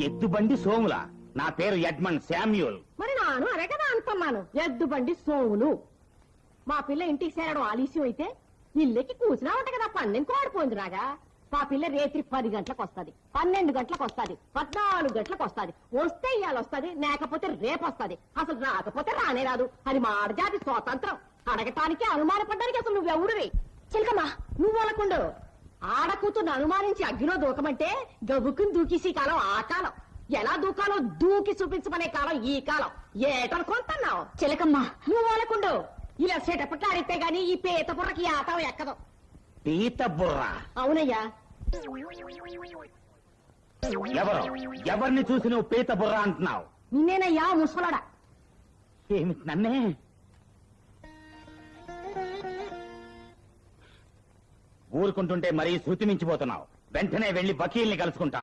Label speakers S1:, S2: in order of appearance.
S1: ఎద్దు బండి సోముల. నా పేరు ఎడ్మండ్ శామ్యూల్.
S2: మరి నాను అరే కదా అంటున్నాను, ఎద్దు బండి సోములు. మా పిల్ల ఇంటికి చేరడం ఆలస్యం అయితే ఇల్లెక్కి కూర్చున్నా ఉంట కదా, పందెం కోడిపోయింది రాగా. మా పిల్ల రేత్రి 10 గంటలకు వస్తుంది, 12 గంటలకు వస్తుంది, 14 గంటలకు వస్తుంది. వస్తే ఇవాళ వస్తుంది, లేకపోతే రేపు వస్తుంది. అసలు రాకపోతే రానే రాదు. అది మాడజాతి స్వాతంత్రం. అడగటానికి అనుమానపడ్డానికి అసలు నువ్వెవడువి? చిలకమ్మా నువ్వు అనకుండు. ఆడకూతుర్ని అనుమానించి అగ్గిలో దూకమంటే గబుక్కుని దూకేసి కాలం ఆ కాలం. ఎలా దూకాలో దూకి చూపించమనే కాలం ఈ కాలం. ఏటనుకుంటున్నావు? చిలకమ్మా నువ్వు అనకుండు. ఇలా సెటపట్లు ఆడితే గాని ఈ పీత బుర్రకి ఆటం ఎక్కదు.
S1: పీత బుర్ర?
S2: అవునయ్యా.
S1: ఎవరిని చూసి నువ్వు పీత బుర్ర అంటున్నావు?
S2: నిన్నేనయ్యా ముసలాడా.
S1: ఏమిటి నన్నే? ఊరుకుంటుంటే మరీ శృతి మించిపోతున్నావు. వెంటనే వెళ్లి వకీల్ని కలుసుకుంటా.